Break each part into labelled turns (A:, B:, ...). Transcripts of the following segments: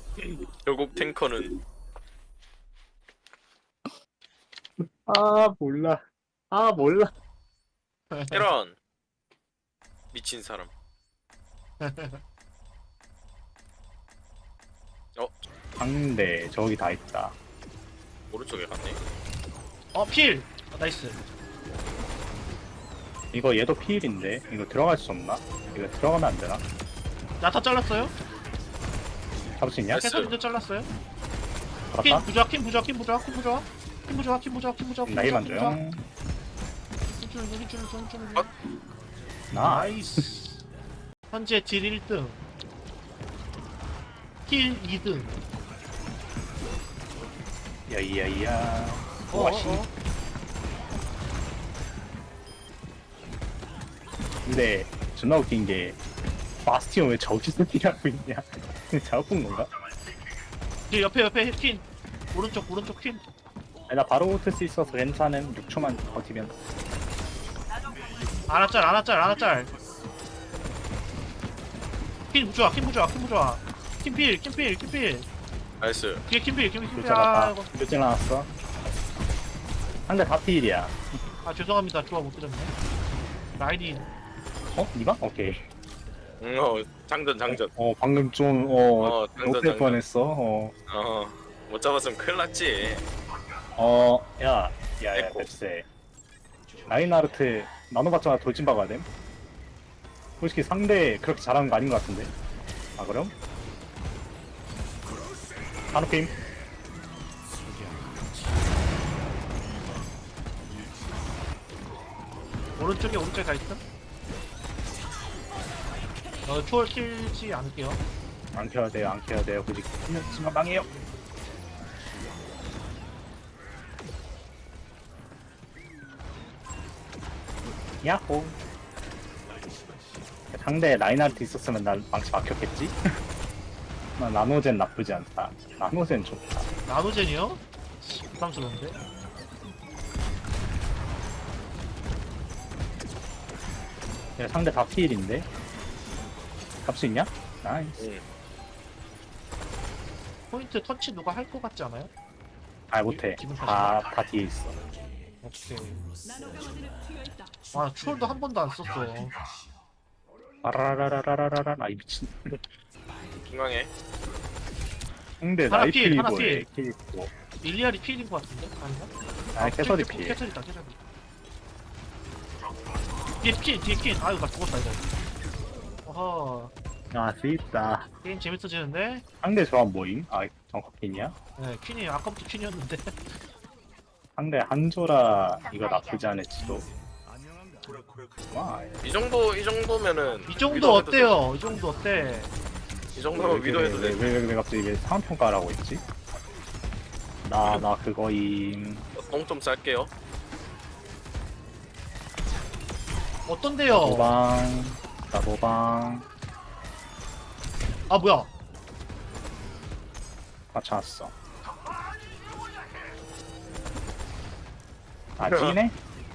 A: 결국 탱커는
B: 아 몰라. 아 몰라.
A: 테란 미친 사람. 어
B: 상대 저기 다 있다.
A: 오른쪽에 갔네.
C: 필! 나이스.
B: 이거 얘도 피일인데 이거 들어갈 수 없나? 이거 들어가면 안 되나?
C: 야타 잘랐어요?
B: 잡을 수 있냐?
A: 됐어.
C: 캐서린도 잘랐어요? 킴
B: 잡았다?
C: 부좌, 킴 부좌, 킴 부좌, 킴 부좌. 킴 부좌, 킴 부좌, 킴 부좌.
B: 나이만 줘요.
A: 어?
B: 나이스.
C: 현재 딜 1등. 킬 2등.
B: 야이야이야.
C: 어,
B: 와씨. 근데 존나 웃긴 게 바스티온 왜 저기서 뛰라고 있냐? 잘못 본 건가?
C: 딜 옆에 퀸. 오른쪽 퀸.
B: 아니, 나 바로 붙을 수 있어서 괜찮은 6초만 버티면.
C: 아나짤. 퀸 부좌. 킴 필.
A: 나이스.
C: 뒤에 킴 필.
B: 교체 갔다. 교체 나왔어. 상대 다 피일이야.
C: 죄송합니다. 조합 못 드렸네. 라인이
B: 어? 니가? 오케이.
A: 장전.
B: 방금 좀,
A: 장전,
B: 못될
A: 장전.
B: 뻔했어.
A: 못 잡았으면 큰일 났지.
B: 야,
A: 에코.
B: 넵세. 라인하르트 나눠봤잖아. 돌진 박아야 됨. 솔직히 상대 그렇게 잘하는 거 아닌 것 같은데. 아, 그럼? 한우게임.
C: 오른쪽에 가 있음. 초월 킬지 않을게요.
B: 안 켜야 돼요. 굳이 키면 망해요. 야호. 상대 라인하르트 있었으면 난 망치 막혔겠지? 나 나노젠 나쁘지 않다. 나노젠 좋다.
C: 나노젠이요? 부담스러운데?
B: 야, 상대 다 피일인데? 갈 수 있냐? 나이스.
A: 응.
C: 포인트 터치 누가 할 것 같지 않아요?
B: 아, 못해.
C: 기분
B: 다 뒤에 있어.
C: 오케이. 초월도 한 번도 안 썼어.
B: 아라라라라라라. 이 미친.
A: 중앙에
B: 상대
C: 하나
B: 나이트
C: 필, 하나
B: 리버에
C: 필.
B: 킬 있고.
C: 일리알이 필인 것 같은데? 아닌가?
B: 캐서디 필.
C: 캐서리다. 뒤에 퀸. 아유, 나 죽었다, 이거. 어허.
B: 아, 쓰있다.
C: 게임 재밌어지는데?
B: 상대 조합 뭐임? 정커핀이야?
C: 네, 퀸이 아까부터 퀸이었는데.
B: 상대 한조라 이거 나쁘지 않을지도. 와,
A: 이 정도면은
C: 이 정도
A: 위도 해도
C: 어때요? 이 정도 어때?
A: 돼. 이 정도면 위도해도 돼.
B: 왜 갑자기 왜 상평가라고 했지? 나 그거임.
A: 똥 좀 쌀게요.
C: 어떤데요?
B: 나 노방.
C: 아, 뭐야?
B: 맞춰놨어. 찌네?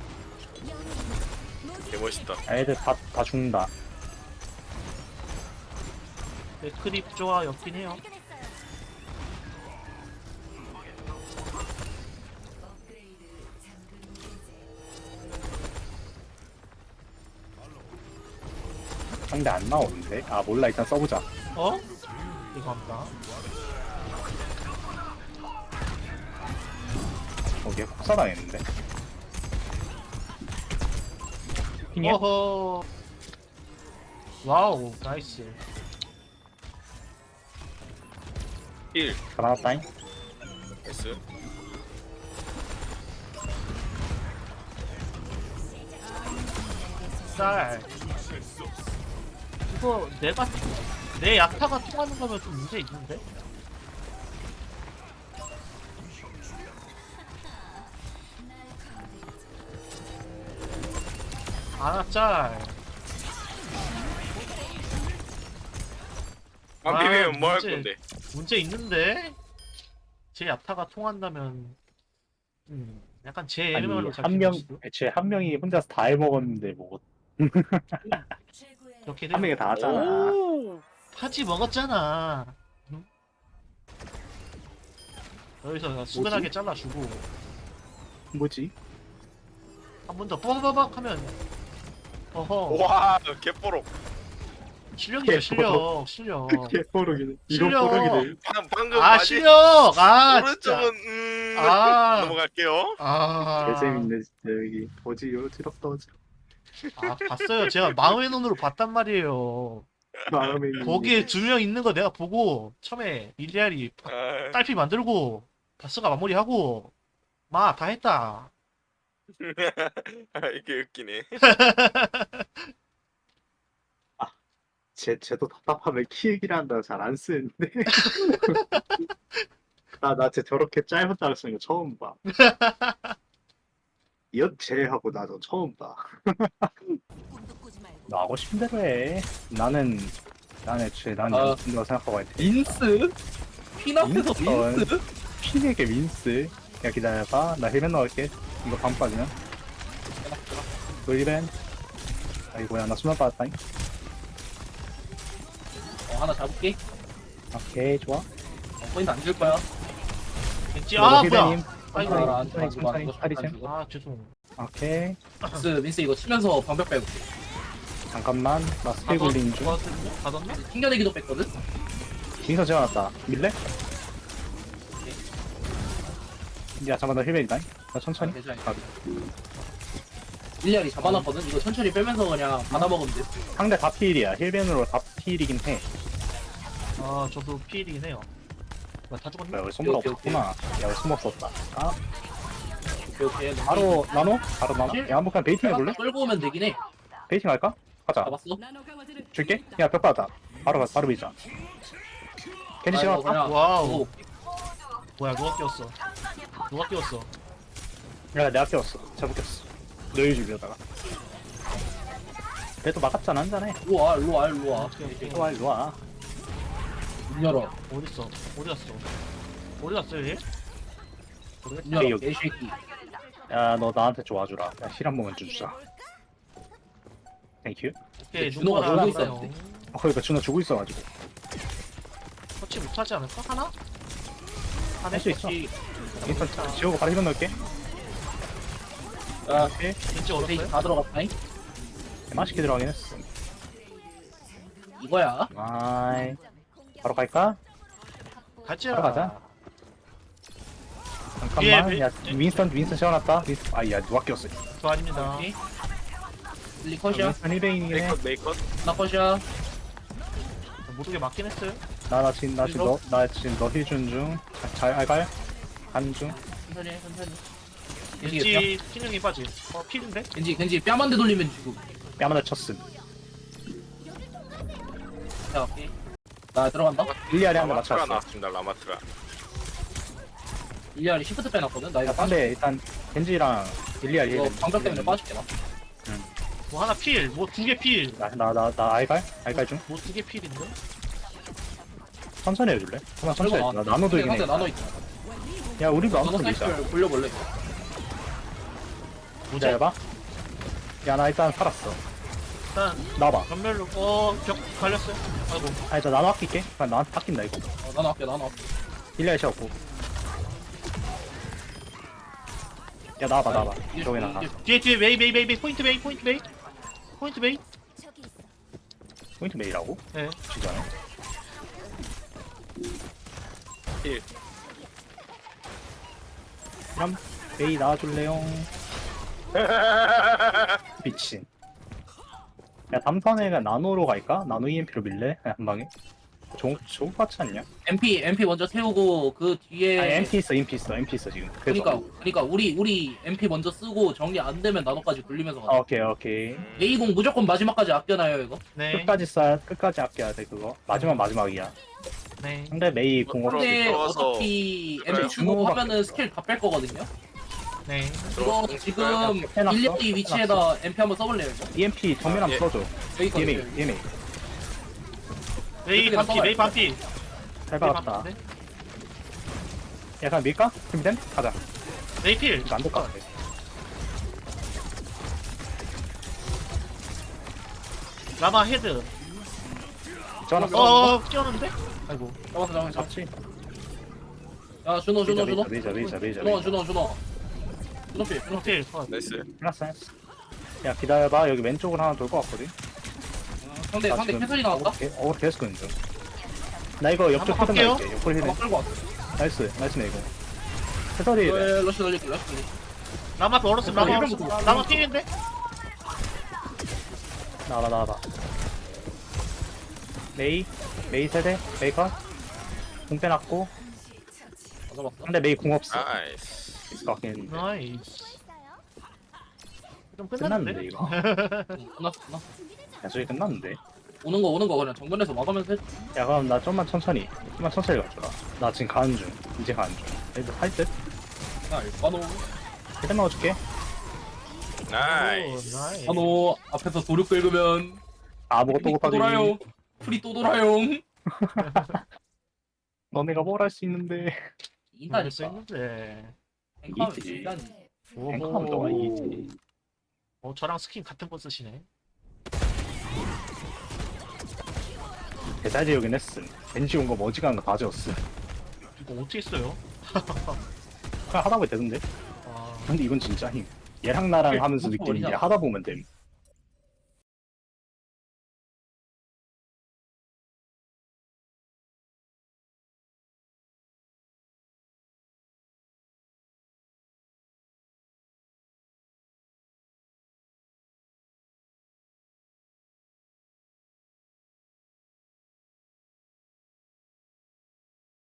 A: 개멋있다.
B: 애들 다 죽는다.
C: 맥크리 구조가 였긴 해요.
B: 상대 안 나오는데? 아, 몰라. 일단 써보자.
C: 어? 죄송합니다.
B: 얘 폭사당했는데? 핑이야?
C: 어허. 와우, 나이스.
A: 1.
B: 다 나왔다잉?
A: 나이스.
C: 쌀. 이거 내 약타가 통하는 거면 좀 문제 있는데? 짤.
A: 안 비비면 뭐 할
C: 문제-
A: 건데?
C: 문제 있는데? 제 야타가 통한다면 약간 제
B: 아니,
C: MMR로
B: 애초에 한 명이 혼자서 다 해먹었는데, 뭐,
C: 이렇게
B: 한 명이 다 하잖아.
A: 오!
C: 파지 먹었잖아. 여기서 수근하게 잘라주고
B: 뭐지?
C: 한 번 더 빠바박 하면 어허
A: 와 개뽀록.
C: 실력이죠 실력 실력
B: 개뽀록이네.
C: 이건 실력. 뽀록이네.
A: 방금
C: 아
A: 마지
C: 실력 아 진짜
A: 오른쪽은
C: 아.
A: 넘어갈게요.
C: 아
B: 개재밌네 진짜 여기. 뭐지 이거 지럽다 어지.
C: 아 봤어요 제가 마음의 눈으로 봤단 말이에요
B: 마음에
C: 거기에 2명 있는 거 내가 보고 처음에 밀리알이
A: 아,
C: 딸피 만들고 바스가 마무리하고 마 다 했다
A: 이게 웃기네.
B: 쟤도 답답하면 키 얘기를 한다고 잘 안 쓰는데. 나쟤 저렇게 짧은 단어 쓰는 거 처음 봐. 쟤하고 나도 처음 봐. 너 하고 싶은 대로 해. 나는 애초에 난
D: 아.
B: 연습인다고 생각하고 있대.
D: 민스? 핀 앞에서
B: 민스?
D: 민스?
B: 피에게 민스. 야 기다려봐. 나 힐맨 넣을게. 이거 방 빠지면. 돌리벤. 아이고야 나 수면 빠졌다잉.
D: 하나 잡을게.
B: 오케이 좋아.
D: 포인트 안 줄 거야.
C: 왠지 아 뭐야 아이고
B: 천천히 차리셈.
C: 아 죄송
B: 오케이.
D: 민스 이거 치면서 방벽 빼고.
B: 잠깐만 나 스킬 굴리는 중.
C: 받았나?
D: 튕겨내기도 뺐거든?
B: 민서 지어놨다. 밀래? 야 잠깐 나 힐맨이다. 나 천천히.
D: 괜찮아.
B: 아,
D: 일리알이 잡아놨거든? 이거 천천히 빼면서 그냥 받아먹으면 돼.
B: 상대 다 필이야. 힐맨으로 다 필이긴 해.
C: 아 저도 피일이긴 해요 다 죽었네
B: 뭐야, 우리 손목
D: 오케이,
B: 없구나. 야, 우리 손목 썼다. 아,
D: 오케이.
B: 바로 나노? 바로 나노? 야, 한번 그냥 베이팅 해볼래?
D: 끌고 오면 되긴 해.
B: 베이팅 할까? 가자.
D: 잡았어?
B: 줄게. 야, 벽 받았다. 바로 비자. 캔디
D: 아이고,
B: 씌워놨다.
D: 그냥
C: 와우
D: 오,
C: 뭐야 누가 끼웠어 누가 끼웠어
B: 야, 내가 끼웠어. 잡았겠어. 너희 주려다가. 그래도 막았잖아, 한 잔에.
D: 일로 와, 일로 와, 일로 와.
B: 일로 와, 일로 와.
D: 문 열어.
C: 어딨어 어디 갔어 어디 갔어 얘?
D: 문 열어.
B: 여기.
D: 개새끼.
B: 야, 너 나한테 좋아주라. 야, 힐 한 번만 주자. 땡큐.
C: 오케이
D: 준호가
C: 눈보라
D: 놀고
C: 하나요.
D: 있었는데.
B: 그러니까 준호 주고 있어가지고.
C: 터치 못하지 않을까? 하나?
B: 할 수 있어.
D: 혹시
B: 일단 지우고 바로 힐만 넣을게.
D: 아,
B: 오케이.
C: 왠지
D: 베이지
C: 어렵어요?
D: 다 들어갔다잉?
B: 맛있게 들어가긴 했어.
D: 이거야.
B: 아이. 바로 갈까?
C: 같이
B: 바로 가자. 잠깐만.
C: 위에
B: 야, 윈스턴 채워놨다. 야, 누가 꼈어.
C: 저 아닙니다
D: 오케이. 릴리 컷이야.
B: 윈스턴 힐베인이네.
A: 메이컷.
D: 나 컷이야.
C: 모두게 맞긴 했어요
B: 나 지금 너 힐 준 중. 잘 알갈? 가는 중.
D: 천천히 해, 천천히. 겐지,
C: 왠지 피능이 빠지 필인데?
D: 겐지 뺨 한 대 돌리면 죽음.
B: 뺨하나 쳤음.
D: 자, 오케이. 나 들어간다.
B: 일리아리 한대
A: 라마트라
B: 맞췄어.
A: 나왔습니다. 라마트라.
D: 일리알이 시프트 빼놨거든? 나
B: 야,
D: 이거
B: 근데 일단 겐지랑 일리아리
D: 이거
B: 힐.
D: 방벽 때문에 빠질게 나.
C: 뭐 하나 필, 뭐 두 개 필.
B: 나 알갈 중.
C: 뭐 두 개 필인데?
B: 천천히 해줄래? 그만 천천히 해. 나 나노도 이긴 해.
D: 상대 나노 있다.
B: 야, 우리도
D: 나노
B: 나노도 밀자.
D: 사이클 돌려볼래?
C: 뭐지?
B: 기다려봐. 야, 나 일단 살았어.
C: 일단
B: 나와봐.
C: 전멸로 벽 갈렸어요. 아이고.
B: 아, 일단 나노 아낄게. 그냥 나한테 바뀐다, 이거.
D: 나노 할게, 나노 할게.
B: 일리아리 씌웠고. 야, 나와봐. 저기 나가.
C: 뒤에 메이 포인트 메이
B: 포인트 메이라고?
C: 네.
B: 진짜.
A: 힐.
B: 그럼 메이 나와줄래요? 미친. 야, 다음 턴에가 나노로 갈까? 나노 EMP로 밀래? 그냥 한 방에? 좋을 것 같지 않냐?
D: MP 먼저 세우고 그 뒤에
B: 아니, MP 있어 지금. 그래서.
D: 그러니까 우리 MP 먼저 쓰고 정리 안 되면 나노까지 돌리면서 가자.
B: 오케이.
D: 메이공 무조건 마지막까지 아껴놔요 이거.
C: 네.
B: 끝까지 아껴야 돼, 그거. 마지막이야.
C: 네.
B: 근데 메이 공 없지.
D: 근데
A: 들어와서
D: 어차피
A: 그래,
D: MP 주고
B: 주먹밖에
D: 하면은
B: 없어.
D: 스킬 다 뺄 거거든요.
C: 네.
D: 이거 지금
B: 해놨어?
D: 1, 2 위치에다 MP 한번 써볼래요 이거?
B: EMP 정면 한번
A: 예.
B: 써줘.
D: 여기 거
B: EMA.
C: 메이
D: 그냥
C: 반피,
D: 써봐요.
C: 메이 반피.
B: 잘 박았다. 야, 그냥 밀까? 준비됨? 가자.
C: 메이 필.
B: 이거 안될 것 같아.
C: 라마 헤드.
B: 전화 써.
C: 끼웠는데? 아이고.
D: 잡았어.
B: 잡지.
D: 야 준호 준호 준호
B: 레이저
D: 준호 준호 필 준호 필
C: 오케이 컷.
A: 나이스.
B: 끝났어. 야 기다려봐. 여기 왼쪽으로 하나 돌 것 같거든.
D: 상대
B: 나
D: 상대
B: 지금
D: 캐슬이 나왔다
B: 계속 끄는 중. 나 이거 옆쪽
C: 한번
B: 헤드
C: 갈게요.
B: 날게. 옆으로 헤드.
D: 한번 끌고 왔어
B: 나이스네 이거. 해설이
D: 러시 돌릴게
C: 라마 멀었어. 라마 멀었어. 라마 필인데?
B: 나와봐. 메이 세대 메이커 공 빼놨고
D: 잡았어
B: 상대 메이 공 없어.
A: 나이스.
B: 있을 것 같긴 했는데.
C: 나이스. 좀
B: 끝났는데
C: 끝났는데?
B: 이거.
D: 끝났어
B: 야 저기 끝났는데.
D: 오는 거 그냥 정면에서 막으면서 해
B: 야 그럼 나 좀만 천천히 가줘라. 나 지금 가는 중. 이제 가는 중. 애들 할 듯?
D: 야 일반호
B: 헤드 넣어줄게.
A: 나이스.
C: 오, 나이스.
D: 한호 앞에서 도륙 긁으면
B: 아무것도
D: 프리 또
B: 못하지.
D: 돌아요 프리 또 돌아요
B: 너네가 뭘 할 수 있는데.
C: 할수
D: 인다니까
C: 있는데.
D: 앵커하면
B: 이기지.
D: 인다니
B: 앵커하면 너가 이기지.
C: 저랑 스킨 같은 거 쓰시네.
B: 대사지역은 했음. 벤지 온거 머지간한 거 다 지웠음.
C: 이거 어떻게 써요?
B: 그냥 하다 보면 되던데.
C: 아,
B: 근데 이건 진짜 힘. 얘랑 나랑 하면서 느끼는 게 하다 보면 됨.